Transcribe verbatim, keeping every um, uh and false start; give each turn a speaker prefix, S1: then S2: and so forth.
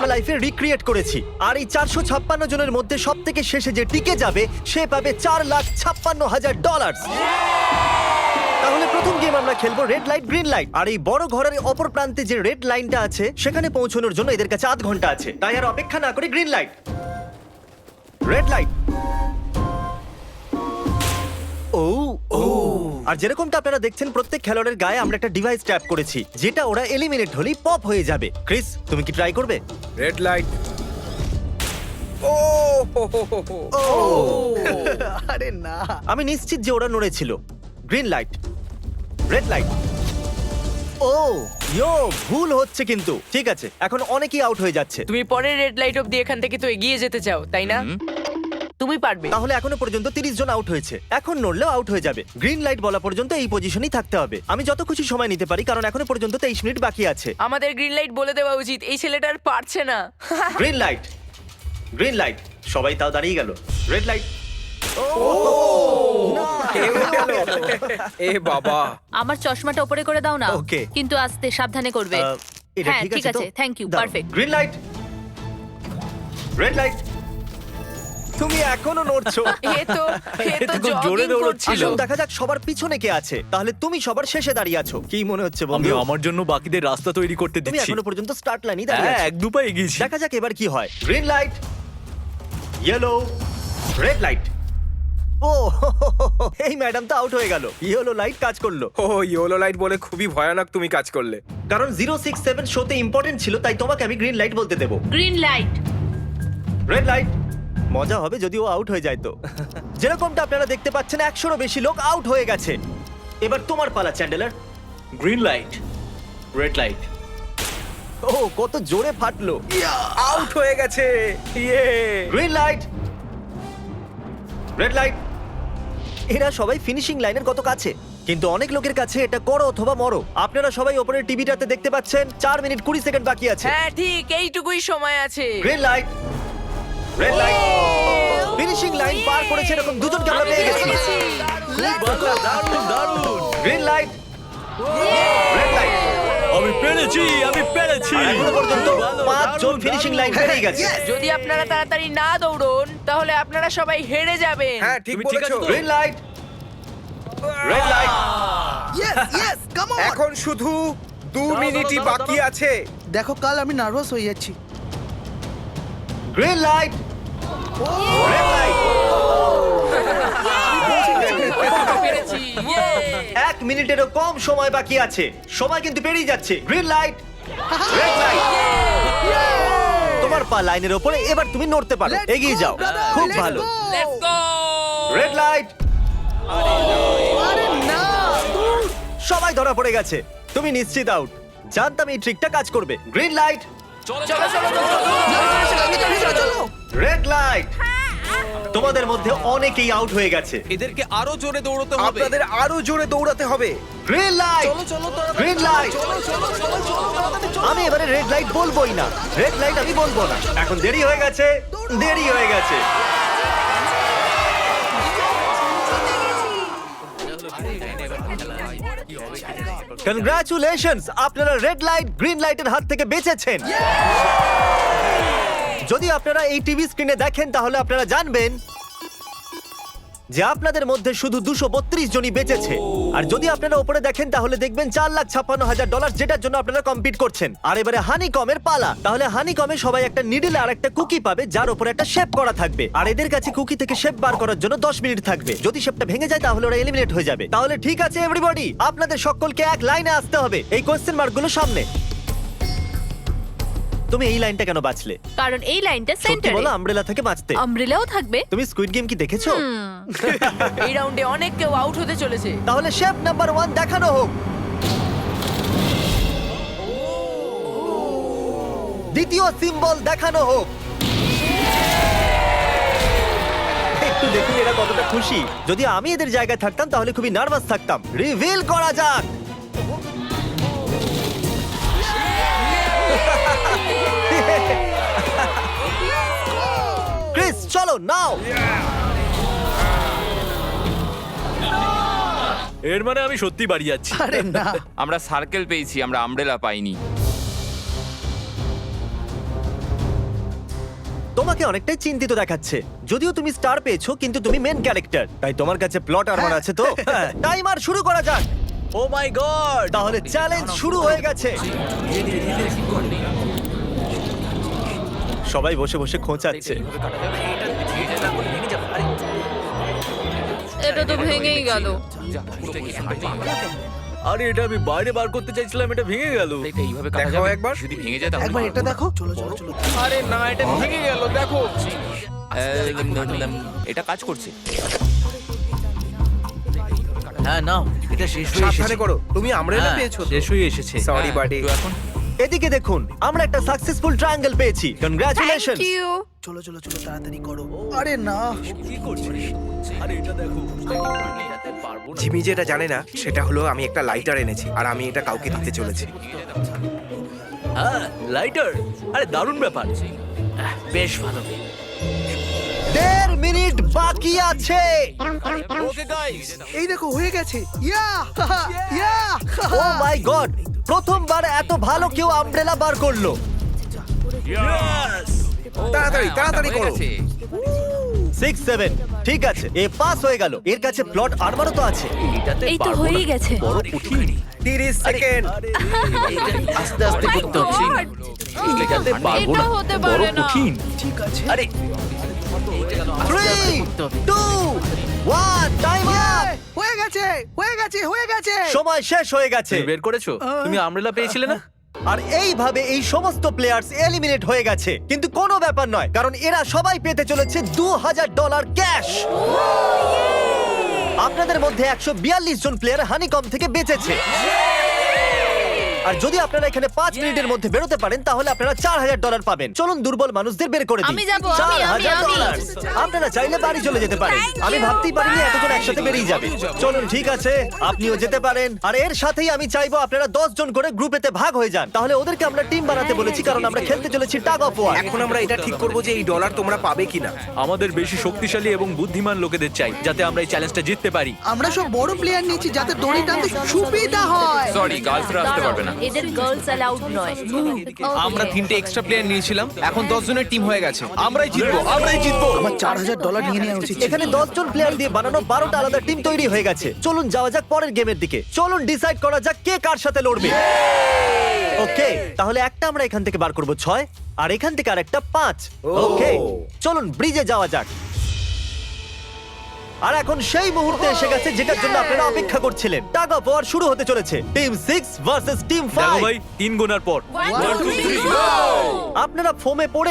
S1: আমরা লাইফে রিক্রিয়েট করেছি। আর এই চারশো ছাপ্পান্ন জনের মধ্যে সব থেকে শেষে যে টিকে যাবে সে পাবে চার লাখ ছাপ্পান্ন হাজার ডলার। তাহলে প্রথম গেম আমরা খেলবো রেড লাইট গ্রিন লাইট। আর এই বড় ঘরের অপর প্রান্তে যে রেড লাইনটা আছে সেখানে পৌঁছানোর জন্য এদের কাছে আধ ঘন্টা আছে। তাই আর অপেক্ষা না করে গ্রিন লাইট, রেড লাইট। ও ও আর যেরকমটা আপনারা দেখছেন প্রত্যেক খেলোয়াড়ের গায়ে আমরা একটা ডিভাইস ট্যাপ করেছি যেটা ওরা এলিমিনেট হলেই পপ হয়ে যাবে। ক্রিস, তুমি কি ট্রাই করবে?
S2: Red light. ও হো হো হো হো।
S1: ও
S3: আরে না,
S1: আমি নিশ্চিত যে ওরা নড়েছিল। Green light, red light. ও ইয়ো, ভুল হচ্ছে কিন্তু। ঠিক আছে, এখন অনেকেই আউট হয়ে যাচ্ছে।
S4: তুমি পরের রেড লাইট অবধি এখান থেকে তো এগিয়ে যেতে চাও, তাই না? তুমি পারবে।
S1: তাহলে এখনো পর্যন্ত তিরিশ জন আউট হয়েছে। এখন নড়লেও আউট হয়ে যাবে। গ্রিন লাইট বলা পর্যন্ত এই পজিশনেই থাকতে হবে। আমি যত খুশি সময় নিতে পারি কারণ এখনো পর্যন্ত তেইশ মিনিট বাকি আছে।
S4: আমাদের গ্রিন লাইট বলে দেওয়া উচিত, এই ছেলেটা আর পারছে না।
S1: Green light, green light. সবাই তাও দাঁড়িয়ে গেল। Red light.
S2: এ বাবা,
S5: আমার চশমাটা উপরে করে দাও না।
S1: Okay.
S5: কিন্তু আস্তে সাবধানে করবে।
S1: আহ, এটা
S5: হ্যাঁ,
S1: ঠিক
S5: ঠিক
S1: আছে তো?
S5: আছে, thank you,
S1: দাও।
S5: perfect.
S1: Green light, red light. তুমি এখনো নড়ছো।
S4: এ তো এ তো
S6: খুব জোরে
S4: জগিং
S6: দৌড়চ্ছিল।
S4: করছিল।
S1: আসুন দেখা যাক সবার পিছনে কে আছে। তাহলে তুমি সবার শেষে দাঁড়িয়ে আছো। কি মনে হচ্ছে
S6: আমি
S1: বন্ধু?
S6: আমার জন্য বাকিদের রাস্তা তৈরি করতে
S1: তুমি
S6: দিচ্ছি।
S1: এখনো পর্যন্ত স্টার্ট লাইনই দাঁড়িয়ে
S6: হ্যাঁ,
S1: আছো।
S6: এক দু পা এগিয়েছি।
S1: দেখা যাক এবার কি হয়। Green light, yellow, red light. ও এই ম্যাডাম তো আউট হয়ে গেল। ইয়েলো লাইট কাজ করলো
S2: ও ইয়েলো লাইট বলে খুবই ভয়ানক তুমি কাজ করলে।
S1: কারণ জিরো সিক্স সেভেন শোতে ইম্পর্টেন্ট ছিল, তাই তোমাকে আমি গ্রিন লাইট বলতে দেবো।
S5: Green light.
S1: Red light. মজা হবে যদি ও আউট হয়ে যায় তো। যেরকমটা আপনারা দেখতে পাচ্ছেন একশোরও বেশি লোক আউট হয়ে গেছে। এবার তোমার পালা Chandler.
S6: Green light, red light.
S1: ও কত জোরে ফাটলো।
S2: আউট হয়ে গেছে। Yay.
S1: Green light, red light. এরা সবাই ফিনিশিং লাইনের কত কাছে, কিন্তু অনেক লোকের কাছে এটা করো অথবা মরো। আপনারা সবাই ওপরের টিভিটাতে দেখতে পাচ্ছেন চার মিনিট কুড়ি সেকেন্ড বাকি আছে।
S4: হ্যাঁ ঠিক, এইটুকুই সময় আছে।
S1: Green light, red light. Finishing line পার করেছে এরকম দুজনকে আমরা পেয়ে গেছি।
S6: দারুণ দারুণ।
S1: Green light, red light.
S6: আমি পেরেছি, আমি পেরেছি।
S1: আর এখনো পর্যন্ত
S6: ভালো,
S1: পাঁচ জন
S6: দারুণ,
S1: ফিনিশিং
S6: দারুণ।
S1: লাইন পেরিয়ে গেছে।
S4: যদি আপনারা তাড়াতাড়ি না দৌড়ন তাহলে আপনারা সবাই হেরে যাবেন।
S2: হ্যাঁ ঠিক
S6: তুমি ঠিক
S2: বলেছো।
S6: আছো তো?
S1: Green light, red light.
S3: Yes yes, come on.
S2: এখন শুধু দু মিনিটই
S6: দাঁড়াও,
S2: বাকি
S6: দাঁড়াও।
S2: আছে।
S3: দেখো কাল আমি নার্ভাস হয়ে যাচ্ছি।
S1: Green light, red light.
S4: পেরেছি। ইয়ে!
S1: এক মিনিটেরও কম সময় বাকি আছে। সময় কিন্তু পেরিয়ে যাচ্ছে। Green light, red light. তোমার পা লাইনের ওপরে, এবার তুমি নড়তে পারো।
S3: Let's
S1: এগিয়ে
S3: go,
S1: যাও।
S3: brother,
S1: খুব
S3: let's
S1: ভালো।
S3: go.
S4: Let's go!
S1: Red light.
S3: আরে না,
S1: সবাই ধরা পড়ে গেছে। তুমি নিশ্চিত আউট। জানতাম এই ট্রিকটা কাজ করবে। গ্রিন লাইট,
S4: চলো চলো চলো চলো
S3: চলো।
S1: Red light. তোমাদের মধ্যে অনেকেই আউট হয়ে গেছে।
S6: এদেরকে আরো জোরে দৌড়তে হবে।
S2: আপনাদের আরো জোরে দৌড়াতে হবে।
S1: Green light, green light. আমি এবারে রেড লাইট বলবোই না। রেড লাইট আমি বলবো না। এখন দেরি হয়ে গেছে, দেরি হয়ে গেছে। কনগ্রাচুলেশনস, আপনারা রেড লাইট গ্রিন লাইটের হাত থেকে বেঁচেছেন। যদি আপনারা এই টিভি স্ক্রিনে দেখেন তাহলে আপনারা জানবেন যে আপনাদের মধ্যে শুধু দুশো বত্রিশ জনই বেঁচেছে। আর যদি আপনারা উপরে দেখেন তাহলে দেখবেন চার লাখ ছাপ্পান্ন হাজার ডলার, যেটার জন্য আপনারা কম্পিট করছেন। আর এবারে হানি কমের পালা। তাহলে হানি কমে সবাই একটা নিডল আর একটা কুকি পাবে যার উপরে একটা শেপ করা থাকবে। আর এদের কাছে কুকি থেকে শেপ বার করার জন্য দশ মিনিট থাকবে। যদি শেপটা ভেঙে যায় তাহলে ওরা এলিমিনেট হয়ে যাবে। তাহলে ঠিক আছে এভরিবডি, আপনাদের সকলকে এক লাইনে আসতে হবে এই কোয়েশ্চেন মার্কগুলো সামনে। তুমি এই লাইনটা কেন বাঁচলে?
S5: কারণ এই লাইনটা
S1: সত্যি
S5: সেন্টারে।
S1: বলো, আমব্রেলা থেকে বাঁচতে।
S5: আমব্রেলাও থাকবে।
S1: তুমি স্কুইড গেম কি দেখেছো?
S4: এই রাউন্ডে অনেক কেউ আউট হতে চলেছে।
S1: তাহলে শেপ নাম্বার ওয়ান দেখানো হোক। দ্বিতীয় সিম্বল দেখানো হোক। একটু দেখুন এরা কতটা খুশি। যদি আমি এদের জায়গায় থাকতাম তাহলে খুবই নার্ভাস থাকতাম। রিভিল করা যাক। ক্রিস চলো নাও।
S6: এর মানে আমি সত্যি বাড়ি যাচ্ছি।
S3: আরে না,
S7: আমরা সার্কেল পেয়েছি, আমরা আমব্রেলা পাইনি।
S1: তোমাকে অনেকটাই চিন্তিত দেখাচ্ছে, যদিও তুমি স্টার পেয়েছো কিন্তু তুমি মেন ক্যারেক্টার, তাই তোমার কাছে প্লট আর্মার আছে তো। টাইমার শুরু করা যাক।
S6: ও মাই গড!
S1: তাহলে চ্যালেঞ্জ শুরু হয়ে গেছে। সবাই বসে বসে খোঁচাচ্ছে।
S5: এটা তো ভেঙেই গেল।
S6: আরে এটা আমি বাইরে বার করতে চাইছিলাম, এটা ভেঙে গেল।
S2: দেখাও একবার।
S7: যদি ভেঙে যায় তাহলে
S3: একবার এটা দেখো। চলো চলো চলো।
S2: আরে না, এটা ভেঙে গেল, দেখো।
S7: আহ, এটা কাজ করছে।
S6: হ্যাঁ নাও, এটা শেষ
S2: সাবধানে করো, তুমি আমরেলা
S6: হ্যাঁ,
S2: পেয়েছো।
S6: শেষ হয়ে এসেছে।
S2: Sorry buddy.
S7: তো এখন
S1: এদিকে দেখুন, আমরা একটা সাকসেসফুল ট্রায়াঙ্গেল পেয়েছি। কনগ্রাচুলেশন।
S5: Thank you.
S3: চলো চলো চলো তাড়াতাড়ি করো। আরে না।
S6: কি করছিস? আরে এটা দেখো।
S2: জিমি যেটা জানে না সেটা হলো আমি একটা লাইটার এনেছি আর আমি এটা কাউকে দিতে চলেছি।
S6: হ্যাঁ, লাইটার। আরে দারুণ ব্যাপার। আহ, বেশ ভালো।
S1: দেড় মিনিট বাকি আছে।
S6: ওকে গাইস,
S3: এই দেখো হয়ে গেছে। ইয়া ইয়া।
S1: ও মাই গড, প্রথমবার এত ভালো কেউ আমব্রেলা বার করলো।
S6: ইয়েস!
S2: তাড়াতাড়ি তাড়াতাড়ি
S7: হয়ে
S2: করো।
S7: গেছে।
S1: সিক্স সেভেন, ঠিক আছে, এ পাস হয়ে গেল। এর কাছে প্লট আর্মারও তো আছে।
S6: এটাতে
S5: এই তো
S6: পারবো
S5: হয়েই
S6: না।
S5: গেছে।
S6: বড় কঠিন।
S2: তিরিশ সেকেন্ড।
S6: আরে, আস্তে আস্তে করতে হচ্ছে। এটাতে পারবো
S5: এটা
S6: না।
S5: হতে
S6: বড়
S5: পারে না।
S6: কঠিন।
S3: ঠিক আছে।
S6: আরে
S1: three two one, time up.
S3: হয়ে গেছে হয়ে গেছে হয়ে গেছে।
S1: সময় শেষ হয়ে গেছে।
S6: তুমি বের করেছো? তুমি আমব্রেলা পেয়েছিলে না?
S1: আর এইভাবে এই সমস্ত প্লেয়ার্স এলিমিনেট হয়ে গেছে, কিন্তু কোনো ব্যাপার নয়, কারণ এরা সবাই পেতে চলেছে দু হাজার ডলার ক্যাশ। আপনাদের মধ্যে একশো বিয়াল্লিশ জন প্লেয়ার হানিকম থেকে বেঁচেছে। আর যদি আপনারা এখানে পাঁচ মিনিটের মধ্যে বেরোতে পারেন তাহলে আপনারা চার হাজার ডলার পাবেন। চলুন দুর্বল মানুষদের বের করে দিই।
S5: আমি যাবো, আমি,
S1: চার
S5: আমি,
S1: হাজার
S5: আমি।
S1: ডলার। আপনারা চাইলে বাড়ি চলে যেতে পারেন।
S5: Thank
S1: আমি
S5: you.
S1: ভাবতেই পারিনি এতজন একসাথে বেরিয়ে যাবে। চলুন ঠিক আছে, আপনিও যেতে পারেন। আর এর সাথেই আমি চাইবো আপনারা দশ জন করে গ্রুপেতে ভাগ হয়ে যান। তাহলে ওদেরকে আমরা টিম বানাতে বলেছি, কারণ আমরা খেলতে চলেছি টাগ অফ ওয়ার।
S2: এখন আমরা এটা ঠিক করব যে এই ডলার তোমরা পাবে কিনা।
S6: আমাদের বেশি শক্তিশালী এবং বুদ্ধিমান লোকেদের চাই, যাতে আমরা এই চ্যালেঞ্জটা জিততে পারি।
S3: আমরা সব বড় প্লেয়ার নিয়েছি যাতে দড়ি টানতে সুবিধা হয়।
S7: সরি, গার্লসরা আসতে পারবে না।
S5: এদের গার্লস অ্যালাউড নয়।
S8: আমরা তিনটে এক্সট্রা প্লেয়ার নিয়েছিলাম, এখন দশ জনের টিম হয়ে গেছে। আমরাই জিতবো, আমরাই জিতবো।
S3: আমার চার হাজার ডলার নিয়ে নেওয়া উচিত ছিল।
S1: এখানে দশ জন প্লেয়ার দিয়ে বানানো বারোটা আলাদা টিম তৈরি হয়ে গেছে। চলুন যাওয়া যাক পরের গেমের দিকে। চলুন ডিসাইড করা যাক কে কার সাথে লড়বে। ওকে, তাহলে একটা আমরা এখান থেকে বার করব ছয়, আর এখান থেকে আরেকটা পাঁচ। ওকে, চলুন ব্রিজে যাওয়া যাক। আর এখন সেই মুহূর্তে এসে গেছে যেটার জন্য আপনারা অপেক্ষা করছিলেন। টাগ অফ ওয়ার শুরু হতে চলেছে। টিম সিক্স ভার্সেস টিম
S6: দেখো
S1: ফাইভ।
S6: ভাই, তিন গোনার পর
S5: One, two, three, go!
S1: আপনারা ফোমে পড়ে